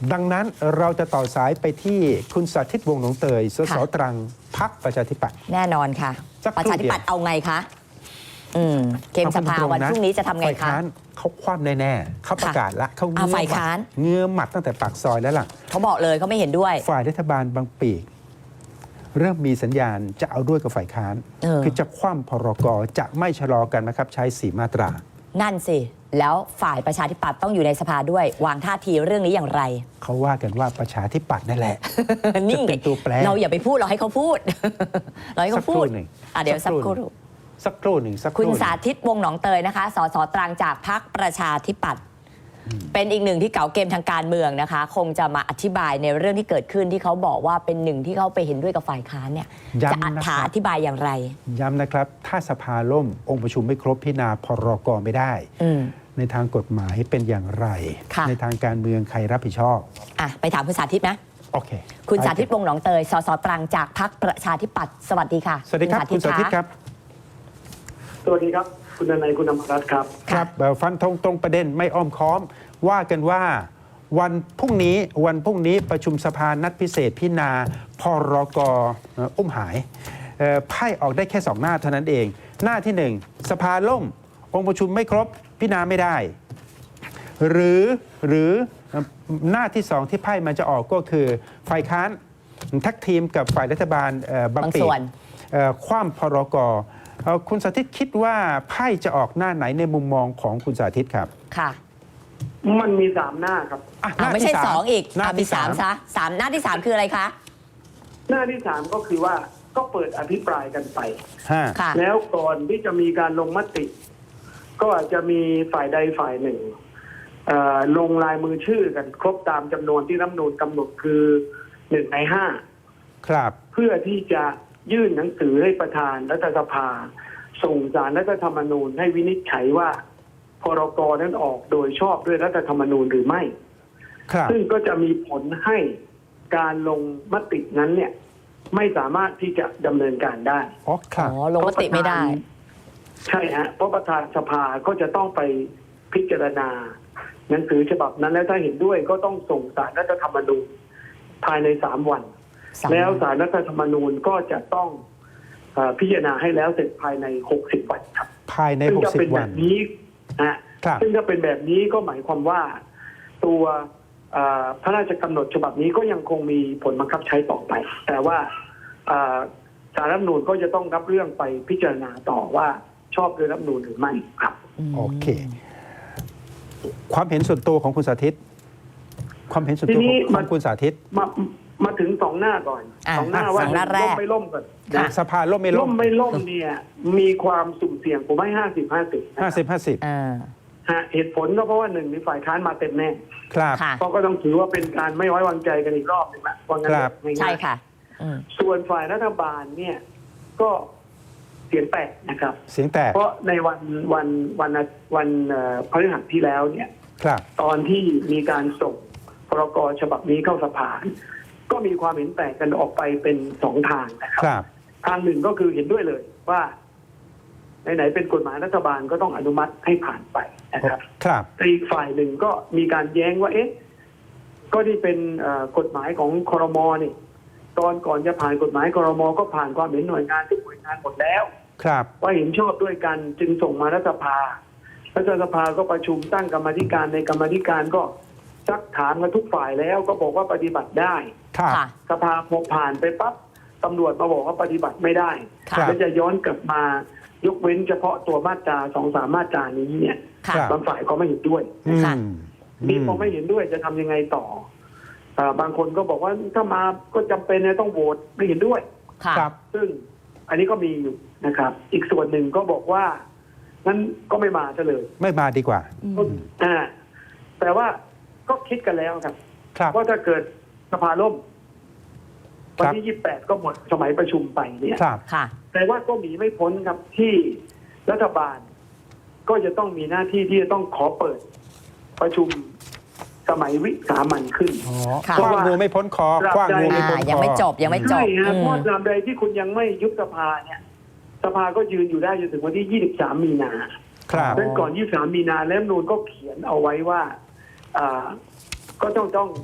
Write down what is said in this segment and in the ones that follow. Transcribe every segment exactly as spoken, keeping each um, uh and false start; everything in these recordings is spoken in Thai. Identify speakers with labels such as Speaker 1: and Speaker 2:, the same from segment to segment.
Speaker 1: ดังนั้นเราจะต่อสายไปที่คุณสาธิตวงศ์หนองเตยสสตรังพรรคประชาธิปัตย์
Speaker 2: แน่นอนค่ะ ประชาธิปัตย์เอาไงคะอืมเกมสภาวันพรุ่งนี้จะทำไงคะ
Speaker 1: เขาคว่ำแน่ๆเขาประกาศละเขาเงื้อหมัดเงื้อหมัดตั้งแต่ปากซอยแล้วล่ะ
Speaker 2: เขาบอกเลยเขาไม่เห็นด้วย
Speaker 1: ฝ่ายรัฐบาลบางปีกเริ่มมีสัญญาณจะเอาด้วยกับฝ่ายค้านคือจะคว่ำพรกจะไม่ชะลอกันนะครับใช้สี่มาตรา
Speaker 2: นั่นสิแล้วฝ่ายประชาธิปัตย์ต้องอยู่ในสภาด้วยวางท่าทีเรื่องนี้อย่างไร
Speaker 1: เขาว่ากันว่าประชาธิปัตย์นั่นแหละ
Speaker 2: นี่
Speaker 1: เป็นตัวแปร
Speaker 2: เราอย่าไปพูดเราให้เขาพูดเราให้เขาพูดอ่ะเดี๋ยวสักครู่
Speaker 1: สักครู่หนึ่งสักครู่
Speaker 2: คุณสาธิตวงศ์หนองเตยนะคะสสตรังจากพรรคประชาธิปัตย์เป็นอีกหนึ่งที่เก่าเกมทางการเมืองนะคะคงจะมาอธิบายในเรื่องที่เกิดขึ้นที่เขาบอกว่าเป็นหนึ่งที่เขาไปเห็นด้วยกับฝ่ายค้านเนี่ยจะอธิบายอย่างไร
Speaker 1: ย้ำนะครับถ้าสภาล่มองค์ประชุมไม่ครบพิจารณาพรกไม่ได้ในทางกฎหมายเป็นอย่างไรในทางการเมืองใครรับผิดชอบ
Speaker 2: อ่ะไปถามคุณสาธิตนะ
Speaker 1: โอเค
Speaker 2: คุณสาธิตวงศ์หนองเตยสสตรังจากพรรคประชาธิปัตย์สวัสดีค่ะ
Speaker 1: สวัสดีครับคุณสาธิตครับ
Speaker 3: สวัสดีครับคุณนายคุณอมรรัตน์ครับ
Speaker 1: ครับฟันธงตรงประเด็นไม่อ้อมค้อมว่ากันว่าวันพรุ่งนี้วันพรุ่งนี้ประชุมสภานัดพิเศษพิจารณาพรกอุ้มหายไพ่ออกได้แค่สองหน้าเท่านั้นเองหน้าที่หนึ่งสภาล่มองค์ประชุมไม่ครบพิจารณาไม่ได้หรือหรือหน้าที่สองที่ไพ่มันจะออกก็คือฝ่ายค้านทักทีมกับฝ่ายรัฐบาลบางปีคว่ำพรกคุณสาธิตคิดว่าไพ่จะออกหน้าไหนในมุมมองของคุณสาธิตครับ
Speaker 2: ค่ะ
Speaker 3: มันมีสามหน้าครับ
Speaker 2: ไม่ใช่สองอีกมีสามซะสามหน้าที่สามคืออะไรคะ
Speaker 3: หน้าที่สามก็คือว่าก็เปิดอภิปรายกันไปแล้วก่อนที่จะมีการลงมติก็อาจจะมีฝ่ายใดฝ่ายหนึ่งลงลายมือชื่อกันครบตามจำนวนที่รัฐธรรมนูญกำหนดคือหนึ่งในห้า
Speaker 1: ครับ
Speaker 3: เพื่อที่จะยื่นหนังสือให้ประธานรัฐสภาส่งศาลรัฐธรรมนูญให้วินิจฉัยว่าพรกนั้นออกโดยชอบด้วยรัฐธรรมนูญหรือไม่ซึ่งก็จะมีผลให้การลงมตินั้นเนี่ยไม่สามารถที่จะดำเนินการได้
Speaker 1: อ๋อครับ
Speaker 2: ลงมติไม่ได้
Speaker 3: ใช่ฮะเพราะประธานสภาก็จะต้องไปพิจารณาหนังสือฉบับนั้นและถ้าเห็นด้วยก็ต้องส่งศาลรัฐธรรมนูญภายในสามวันแล้วศาลรัฐธรรมนูญก็จะต้องพิจารณาให้แล้วเสร็จภายในหกสิบวันครับ
Speaker 1: ภายในหกสิบวัน
Speaker 3: นี้นะซึ่งถ้าเป็นแบบนี้ก็หมายความว่าตัวพระราชกำหนดฉบับนี้ก็ยังคงมีผลบังคับใช้ต่อไป แต่ว่าศาลรัฐธรรมนูญก็จะต้องรับเรื่องไปพิจารณาต่อว่าชอบด้วยรัฐธรรมนูญหรือไม่ครับ
Speaker 1: โอเคความเห็นส่วนตัวของคุณสาธิตความเห็นส่วนตัวของคุณสาธิต
Speaker 3: มามาถึงสองหน้าก่อนสองหน้าว่าล่มไม่ล่มก่อน
Speaker 1: สภาล่มไม่ล่
Speaker 3: มไม่ล่มเนี่ยมีความสุ่มเสี่ยงผมให้ห้าสิบห้าสิบ
Speaker 1: ห้าสิบห้าสิบ
Speaker 3: เหตุผลก็เพราะว่าหนึ่งมีฝ่ายค้านมาเต็มแน่
Speaker 1: ครับ
Speaker 3: เพราะก็ต้องถือว่าเป็นการไม่ไว้วางใจกันอีกรอบหนึ่งละเพราะงั้น
Speaker 2: ใช่ค่ะ
Speaker 3: ส่วนฝ่ายรัฐบาลเนี่ยก็เสียงแตกนะครับ
Speaker 1: เสียงแตก
Speaker 3: เพราะในวันวันวันวันพฤหัสที่แล้วเนี่ยตอนที่มีการส่งพรกฉบับนี้เข้าสภาก็มีความเห็นแตกกันออกไปเป็นสองทางนะครับทางหนึ่งก็คือเห็นด้วยเลยว่าไหนๆเป็นกฎหมายรัฐบาลก็ต้องอนุมัติให้ผ่านไปนะครับแต่อีกฝ่ายหนึ่งก็มีการแย้งว่าเอ๊ะก็ที่เป็นกฎหมายของครม.นี่ตอนก่อนจะผ่านกฎหมายครม.ก็ผ่านความเห็นหน่วยงานทุกหน่วยงานหมดแล้วว่าเห็นชอบด้วยกันจึงส่งมารัฐสภารัฐสภาก็ประชุมตั้งกรรมธิการในกรรมธิการก็ซักถามกันทุกฝ่ายแล้วก็บอกว่าปฏิบัติได้สภาพอผ่านไปปั๊บตำรวจมาบอกว่าปฏิบัติไม่ได้แล้วจะย้อนกลับมายกเว้นเฉพาะตัวมาตราสองสามมาตรานี้เนี่ยบางฝ่ายก็ไม่เห็นด้วยนี่พอไม่เห็นด้วยจะทำยังไงต่อบางคนก็บอกว่าถ้ามาก็จำเป็นนะต้องโหวตไม่เห็นด้วยซึ่งอันนี้ก็มีอยู่นะครับอีกส่วนหนึ่งก็บอกว่านั้นก็ไม่มาเลย
Speaker 1: ไม่มาดีกว่า
Speaker 3: อ่าแต่ว่าก็คิดกันแล้วครับว่าถ้าเกิดสภาล่มวันที่ยี่สิบแปดก็หมดสมัยประชุมไปเนี่ยแต่ว่าก็มีไม่พ้นครับที่รัฐบาลก็จะต้องมีหน้าที่ที่จะต้องขอเปิดประชุมสมัยวิสามัญขึ้น
Speaker 1: เพราะว่างูไม่พ้นคอคว้างงูไม่พ้นคอ
Speaker 2: ยังไม่จบยังไม่จบ
Speaker 3: ใช่ฮะเพราะตราบใดที่คุณยังไม่ยุบสภาเนี่ยสภาก็ยืนอยู่ได้จนถึงวันที่ยี่สิบสามมีนา
Speaker 1: ครับ
Speaker 3: ดังนั้นก่อนยี่สิบสามมีนาแล้วรัฐธรรมนูญก็เขียนเอาไว้ว่าอ่าก็ต้องต้อง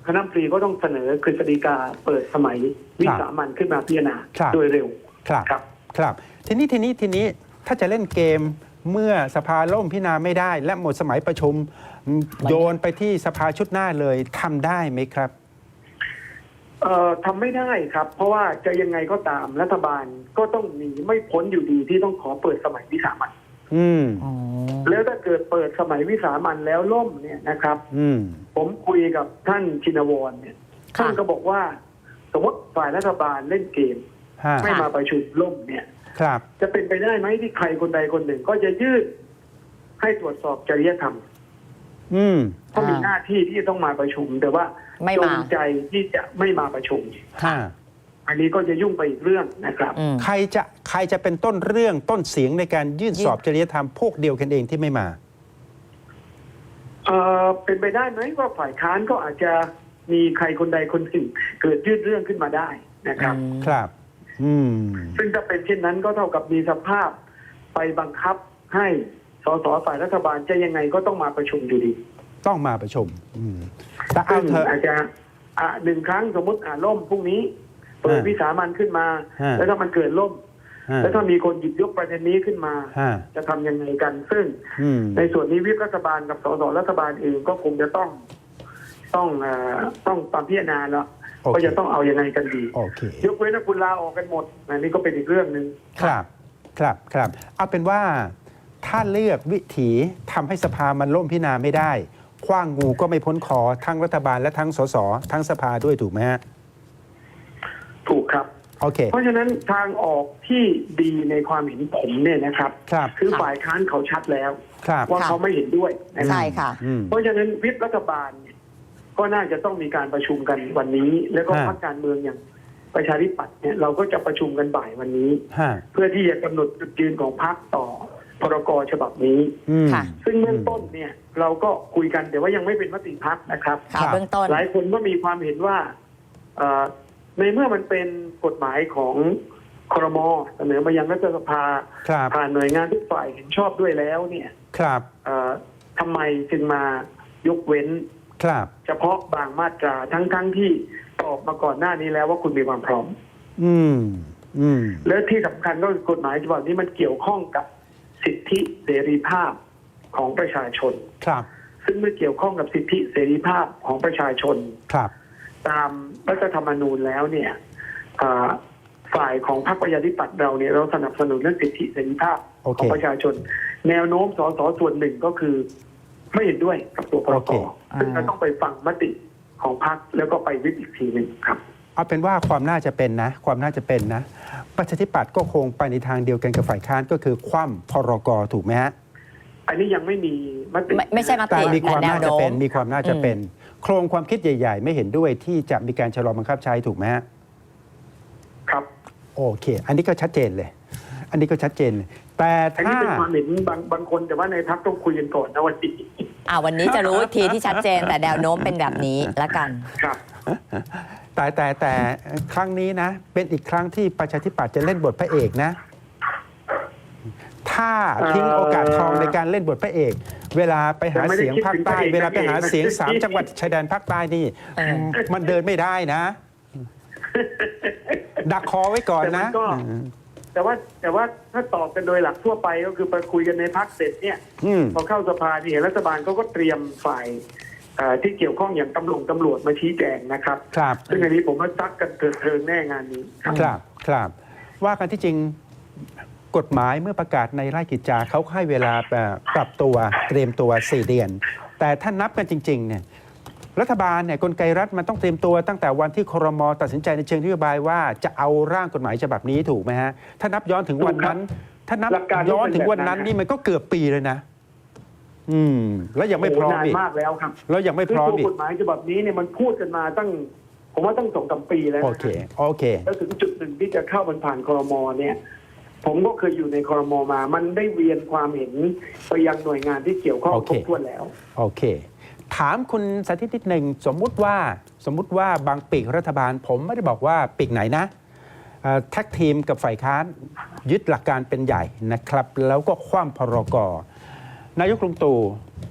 Speaker 3: คณะรัฐมนตรีก็ต้องเสนอกฤษฎีกาเปิดสมัยวิสามัญขึ้นมาพิจารณา
Speaker 1: ครับ
Speaker 3: โดยเร็ว
Speaker 1: ครับ
Speaker 3: ครับ
Speaker 1: ครับทีนี้ทีนี้ทีนี้ถ้าจะเล่นเกมเมื่อสภาล่มพิจารณาไม่ได้ และหมดสมัยประชุมโยนไปที่สภาชุดหน้าเลยทำได้ไหมครับ
Speaker 3: เอ่อทำไม่ได้ครับ เพราะว่าจะยังไงก็ตามรัฐบาลก็ต้องหนีไม่พ้นอยู่ดีที่ต้องขอเปิดสมัยวิสามัญ
Speaker 1: อืม
Speaker 2: อ๋อ
Speaker 3: แล้วถ้าเกิดเปิดสมัยวิสามัญแล้วล่มเนี่ยนะครับ
Speaker 1: อืม
Speaker 3: ผมคุยกับท่านชินวรเนี่ย
Speaker 2: ค่ะ
Speaker 3: ท่านก็บอกว่าสมมติฝ่ายรัฐบาลเล่นเกม
Speaker 1: ฮะ
Speaker 3: ไม่มาประชุมล่มเนี่ย
Speaker 1: ครับ
Speaker 3: จะเป็นไปได้ไหมที่ใครคนใดคนหนึ่งก็จะยื่นให้ตรวจสอบจริยธรรม
Speaker 1: อืม
Speaker 3: เพราะมีหน้าที่ที่จะต้องมาประชุม แต่ว่า
Speaker 2: ไม่
Speaker 3: จ
Speaker 2: มา
Speaker 3: งใจที่จะไม่มาประชุม
Speaker 1: ฮะ
Speaker 3: อันนี้ก็จะยุ่งไปอีกเรื่องนะครับ
Speaker 2: อืม
Speaker 1: ใครจะใครจะเป็นต้นเรื่องต้นเสียงในการยื่น
Speaker 2: ยื่น
Speaker 1: สอบจริยธรรมพวกเดียวกันเองที่ไม่มา
Speaker 3: เอ่อเป็นไปได้ไหมว่าฝ่ายค้านก็อาจจะมีใครคนใดคนหนึ่งเกิดยื่นเรื่องขึ้นมาได้นะครับ
Speaker 2: อืม
Speaker 1: ครับ อืม
Speaker 3: ซึ่งถ้าเป็นเช่นนั้นก็เท่ากับมีสภาพไปบังคับให้สสฝ่ายรัฐบาลจะยังไงก็ต้องมาประชุมอยู่ดี
Speaker 1: ต้องมาประชุม อืมแต่เอา
Speaker 3: ซึ่ง
Speaker 1: เถอะ
Speaker 3: อาจจะอ่ะหนึ่งครั้งสมมติอ่าล่มพรุ่งนี้เปิด
Speaker 1: ฮะ
Speaker 3: วิสามันขึ้นมา
Speaker 1: ฮะ
Speaker 3: แล้วถ้ามันเกิดล่ม
Speaker 1: ฮะ
Speaker 3: แล้วถ้ามีคนหยิบยกประเด็นนี้ขึ้นมา
Speaker 1: ฮะ
Speaker 3: จะทำยังไงกัน ซึ่ง
Speaker 1: อืม
Speaker 3: ในส่วนนี้วิปรัฐบาลกับสสรัฐบาลเองก็คงจะต้องต้องเอ่อต้องตามพิจารณาแล้ว
Speaker 1: โอเค
Speaker 3: ว่าจะต้องเอายังไงกันดี
Speaker 1: โอเค
Speaker 3: ยกเว้นถ้าคุณลาออกกันหมดอันนี้ก็เป็นอีกเรื่องหนึ่ง
Speaker 1: ครับ ครับ ครับ เอาเป็นว่าถ้าเลือกวิถีทำให้สภามันล่มพิจารณาไม่ได้ขว้างงูก็ไม่พ้นคอทั้งรัฐบาลและทั้งสสทั้งสภาด้วยถูกไหมฮะ
Speaker 3: ถูกครับ
Speaker 1: โอเค
Speaker 3: เพราะฉะนั้นทางออกที่ดีในความเห็นผมเนี่ยนะครับ
Speaker 1: ครับ
Speaker 3: คือ
Speaker 2: ค่ะ
Speaker 3: ฝ่ายค้านเขาชัดแล้ว
Speaker 1: ครับ
Speaker 3: ว่า
Speaker 2: ค่ะ
Speaker 3: เขาไม่เห็นด้วยนะครั
Speaker 2: ใช่
Speaker 3: บ
Speaker 2: ค่ะ
Speaker 1: อืม
Speaker 3: เพราะฉะนั้นวิปรัฐบาลเนี่ยก็น่าจะต้องมีการประชุมกันวันนี้ แล้วก็
Speaker 1: ฮะ
Speaker 3: พรรคการเมืองอย่างประชาธิปัตย์เนี่ยเราก็จะประชุมกันบ่ายวันนี้
Speaker 1: ฮะ
Speaker 3: เพื่อที่จะกำหนดจุดยืนของพรรคต่อพรกฉบับนี้
Speaker 1: อืม
Speaker 2: ค่ะ
Speaker 3: ซึ่งเบื้องต้นเนี่ยเราก็คุยกันแต่ว่ายังไม่เป็นมติพรรคนะครับ
Speaker 2: ค่ะ
Speaker 1: ครับ
Speaker 2: เบื้องต้น
Speaker 3: หลายคนก็มีความเห็นว่าเอ่อในเมื่อมันเป็นกฎหมายของครมเสนอมายังรัฐสภา
Speaker 1: ครับ
Speaker 3: ผ่านหน่วยงานทุกฝ่ายเห็นชอบด้วยแล้วเนี่ย
Speaker 1: ครับ
Speaker 3: เอ่อทำไมจึงมายกเว้น
Speaker 1: ครับ
Speaker 3: เฉพาะบางมาตราทั้งๆทที่ตอบมาก่อนหน้านี้แล้วว่าคุณมีความพร้อม
Speaker 1: อืม อืม
Speaker 3: และที่สำคัญก็คือกฎหมายฉบับนี้มันเกี่ยวข้องกับสิทธิเสรีภาพของประชาชน
Speaker 1: ครับ
Speaker 3: ซึ่งเมื่อเกี่ยวข้องกับสิทธิเสรีภาพของประชาชน
Speaker 1: ครับ
Speaker 3: ตามรัฐธรรมนูญแล้วเนี่ยอ่าฝ่ายของพรรคประชาธิปัตย์เราเนี่ยเราสนับสนุนเรื่องสิทธิเสรีภาพ
Speaker 1: โอเค
Speaker 3: ของประชาชน แนวโน้มสสส่วนหนึ่งก็คือไม่เห็นด้วยกับตัวพร
Speaker 1: โอก เค
Speaker 3: ซึ่งเราต้องไปฟังมติของพรรคแล้วก็ไปวิปอีกทีหนึ่งครับ
Speaker 1: เอาเป็นว่าความน่าจะเป็นนะ ความน่าจะเป็นนะ ประชาธิปัตย์ก็คงไปในทางเดียวกันกับฝ่ายค้านก็คือคว่ำพรกถูกไหมฮะ
Speaker 3: อันนี้ยังไม่มีมติ
Speaker 2: ไม่ไม่ใช่มติ
Speaker 1: แต่มีความ
Speaker 2: แต่แนว
Speaker 1: น่าจะเป็น
Speaker 2: โน้ม
Speaker 1: มีความน่าจะเป็น โครงความคิดใหญ่ ๆ ไม่เห็นด้วยที่จะมีการชะลอบังคับใช้ถูกไหมฮะ
Speaker 3: ครับ
Speaker 1: โอเค อันนี้ก็ชัดเจนเลย อันนี้ก็ชัดเจนเลยแต่
Speaker 3: อันนี้
Speaker 1: ถ้า
Speaker 3: เป็นความเห็นบางบางคนแต่ว่าในพรรคต้องคุยกันก่อนนะวันนี้
Speaker 2: อ่าวันนี้จะรู้อีกทีที่ชัดเจน แต่แนวโน้มเป็นแบบนี้ละกัน
Speaker 3: ครับ
Speaker 1: แต่แต่แต่ครั้งนี้นะ เป็นอีกครั้งที่ประชาธิปัตย์จะเล่นบทพระเอกนะ ถ้าทิ้งโอกาสทองในการเล่นบทพระเอก เวลาไปหาเสียงภาคใต้ เวลาไปหาเสียงสามจังหวัดชายแดนภาคใต้นี่
Speaker 2: เออ
Speaker 1: มันเดินไม่ได้นะ ดักคอไว้ก่อน
Speaker 3: แต่มั
Speaker 1: นะ
Speaker 3: นก็ แต่ว่าแต่ว่าถ้าตอบกันโดยหลักทั่วไปก็คือไปคุยกันในพรรคเสร็จเนี่ย
Speaker 1: อืม
Speaker 3: พอเข้าสภาเนี่ยรัฐบาลเขาก็เตรียมฝ่ายเอ่อที่เกี่ยวข้องอย่างตำรวจตำรวจมาชี้แจงนะครับ
Speaker 1: ครับ
Speaker 3: ซึ่งอันนี้ผมว่าซักกันเถิดเทิงแน่งานนี้ครับ
Speaker 1: ครับครับว่ากันที่จริงกฎหมายเมื่อประกาศในราชกิจจาเขาให้เวลาปรับตัวเตรียมตัวสี่เดือน แต่ถ้านับกันจริงๆเนี่ยรัฐบาลเนี่ยกลไกรัฐมันต้องเตรียมตัวตั้งแต่วันที่ครม.ตัดสินใจในเชิงนโยบายว่าจะเอาร่างกฎหมายฉบับนี้ถูกไหมฮะถ้านับย้อนถึงวันนั้น ถ้านับ
Speaker 3: หลักการ
Speaker 1: ย้อนถึงวันนั้น
Speaker 3: เป็นแบบนั้น
Speaker 1: นี่มันก็เกือบปีเลยนะ อืม แล้วยังไม่พร้อม
Speaker 3: นาน
Speaker 1: อีก
Speaker 3: มากแล้วครับ
Speaker 1: แล้วยังไม่พร้อม
Speaker 3: คือ
Speaker 1: อีก
Speaker 3: ตัวกฎหมายฉบับนี้เนี่ยมันพูดกันมาตั้ง ผมว่าตั้งสองสามปีแล้ว
Speaker 1: โอ
Speaker 3: นะ
Speaker 1: เคโอเค
Speaker 3: แล้วถึงจุดหนึ่งที่จะเข้ามันผ่านครมเนี่ย ผมก็เคยอยู่ในครมมา มันได้เวียนความเห็นไปยังหน่วยงานที่เกี่ยวข้อง
Speaker 1: โอ
Speaker 3: ค
Speaker 1: เค
Speaker 3: รบถ้วนแล้ว
Speaker 1: โอเค ถามคุณสาธิตนิดหนึ่งสมมุติว่าสมมุติว่าบางปีกรัฐบาล ผมไม่ได้บอกว่าปีกไหนนะเอ่อแท็กทีมกับฝ่ายค้านยึดหลักการเป็นใหญ่นะครับ แล้วก็คว่ำพรกนายกลุงตู่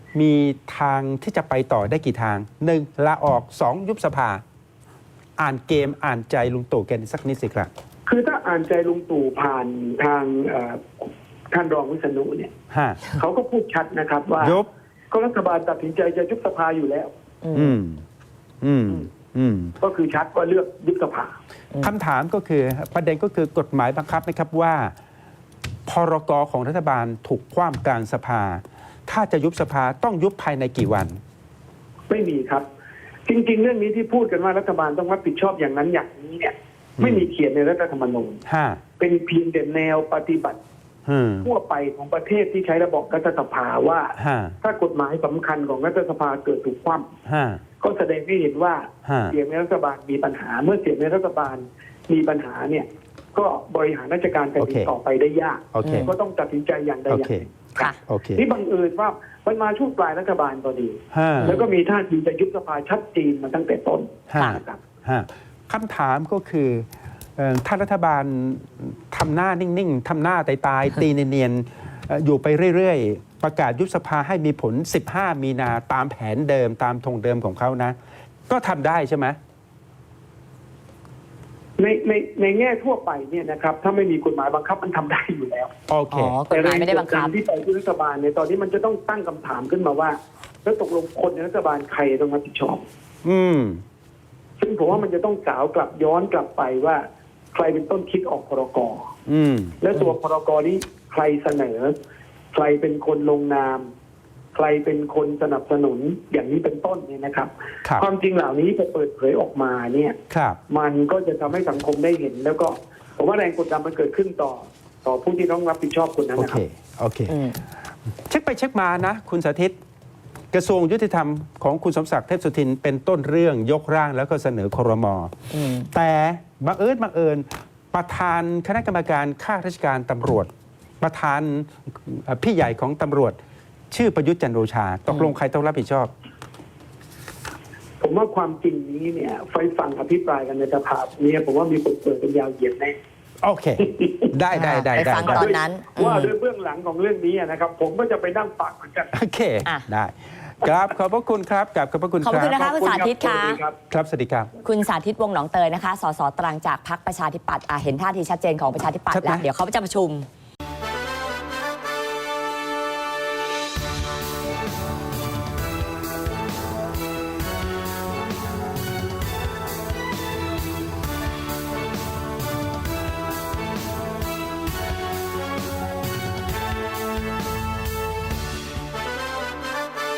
Speaker 1: มีทางที่จะไปต่อได้กี่ทางหนึ่งลาออกสองยุบสภา อ่านเกมอ่านใจลุงตู่แกสักนิดสิครับ
Speaker 3: คือถ้าอ่านใจลุงตู่ผ่านทางเอ่อท่านรองวิษณุเนี่ย
Speaker 1: ฮะ
Speaker 3: เขาก็พูดชัดนะครับว่า
Speaker 1: ยุบ
Speaker 3: ก็รัฐบาลตัดสินใจจะยุบสภาอยู่แล้ว
Speaker 1: อืม อืม อืม
Speaker 3: ก็คือชัดว่าเลือกยุบสภา
Speaker 1: คำถามก็คือประเด็นก็คือกฎหมายบังคับนะครับว่าพรกของรัฐบาลถูกคว่ำกลางสภา ถ้าจะยุบสภาต้องยุบภายในกี่วัน
Speaker 3: ไม่มีครับ จริง ๆ เรื่องนี้ที่พูดกันว่ารัฐบาลต้องรับผิดชอบอย่างนั้นอย่างนี้เนี่ย ไม่มีเขียนในรัฐธรรมนูญ
Speaker 1: ห้า
Speaker 3: เป็นเพียงแต่แนวปฏิบัติ
Speaker 1: อืม
Speaker 3: ทั่วไปของประเทศที่ใช้ระบบรัฐสภาว่า
Speaker 1: ห้า
Speaker 3: ถ้ากฎหมายสำคัญของรัฐสภาเกิดถูกคว่ำ
Speaker 1: ห้า
Speaker 3: ก็แสดงให้เห็นว่า
Speaker 1: ฮะ
Speaker 3: เสียงในรัฐบาลมีปัญหา เมื่อเสียงในรัฐบาลมีปัญหาเนี่ย ก็บริหารราชการแผ่นดินต่อไปได้ยาก
Speaker 1: โอเค
Speaker 3: ก็ต้องตัดสินใจอย่างใด
Speaker 1: โอ
Speaker 3: อย่า
Speaker 1: เค
Speaker 3: งหนึ่ง
Speaker 2: ค่ะ
Speaker 1: โอเค
Speaker 3: นี่บังเอิญว่ามันมาช่วงปลายรัฐบาลพอดี
Speaker 1: ห้า
Speaker 3: แล้วก็มีท่าทีจะยุบสภาชัดเจนมาตั้งแต่ต้น
Speaker 1: ห้า
Speaker 3: นะครับ
Speaker 1: ห้าคำถามก็คือเอ่อถ้ารัฐบาลทำหน้านิ่ง ๆทำหน้าตายๆ ตีเนียนๆเอ่ออยู่ไปเรื่อย ๆ ประกาศยุบสภาให้มีผล สิบห้า มีนาตามแผนเดิมตามธงเดิมของเขานะ ก็ทำได้ใช่ไหม
Speaker 3: ในในในแง่ทั่วไปเนี่ยนะครับ ถ้าไม่มีกฎหมายบังคับมันทำได้อยู่แล้ว
Speaker 1: โอเค
Speaker 2: อ๋อกฎหมายไม่ได้บังคับ
Speaker 3: แต่แรงกดดันที่ไปที่รัฐบาลเนี่ยตอนนี้มันจะต้องตั้งคำถามขึ้นมาว่า แล้วตกลงคนในรัฐบาลใครต้องรับผิดชอบ
Speaker 1: อืม
Speaker 3: ซึ่งผมว่ามันจะต้องสาวกลับย้อนกลับไปว่า ใครเป็นต้นคิดออกพรก
Speaker 1: อืม
Speaker 3: และตัวพรกนี้ใครเสนอ ใครเป็นคนลงนาม ใครเป็นคนสนับสนุนอย่างนี้เป็นต้นเนี่ยนะครับ
Speaker 1: ครับ
Speaker 3: ความจริงเหล่านี้จะเปิดเผยออกมาเนี่ย
Speaker 1: ครับ
Speaker 3: มันก็จะทำให้สังคมได้เห็น แล้วก็ผมว่าแรงกดดันมันเกิดขึ้นต่อ ต่อผู้ที่ต้องรับผิดชอบคนนั้น
Speaker 1: โอ
Speaker 3: นะค
Speaker 1: เค
Speaker 3: รับ
Speaker 1: โอเค
Speaker 2: อืม
Speaker 1: เช็คไปเช็คมานะ คุณสาธิต กระทรวงยุติธรรมของคุณสมศักดิ์เทพสุทินเป็นต้นเรื่องยกร่างแล้วก็เสนอครม
Speaker 2: อืม
Speaker 1: แต่บังเอิญบังเอิญประธานคณะกรรมการข้าราชการตำรวจ ประธานเอ่อพี่ใหญ่ของตำรวจ ชื่อประยุทธ์จันทร์โอชา ตกลงใครต้องรับผิดชอบ
Speaker 3: ผมว่าความจริงนี้เนี่ยไฟฟังอภิปรายกันในสภาเนี่ยผมว่ามีคนเปิดเป็นยาวเหยียดแน่
Speaker 1: โอเค ได้ได้ได้
Speaker 2: ไป
Speaker 1: ได้
Speaker 2: ฟัง
Speaker 1: ได้
Speaker 2: ตอนนั้น
Speaker 3: ว่า
Speaker 2: อืม
Speaker 3: ด้วยเบื้องหลังของเรื่องนี้นะครับ ผมก็จะไปนั่งฟังเหมือนกัน
Speaker 1: โอเค
Speaker 2: อ่ะ
Speaker 1: ได้ครับขอบพระคุณครับกับขอบพระคุณ
Speaker 2: ขอบ
Speaker 1: ค
Speaker 2: พระ
Speaker 1: รั
Speaker 2: คุณ
Speaker 1: บ
Speaker 2: นะคะคุณสาธิต
Speaker 3: ขอบ
Speaker 2: ค่ะ
Speaker 3: ณรับ
Speaker 1: ครับสวัสดีครับ
Speaker 2: คุณสาธิตวงศ์หนองเตยนะคะ สสตรังจากพรรคประชาธิปัตย์อ่ะเห็นท่าทีชัดเจนของประชาธิปัตย์
Speaker 1: ชัดไหม
Speaker 2: แล้ว เดี๋ยวเขาจะประชุม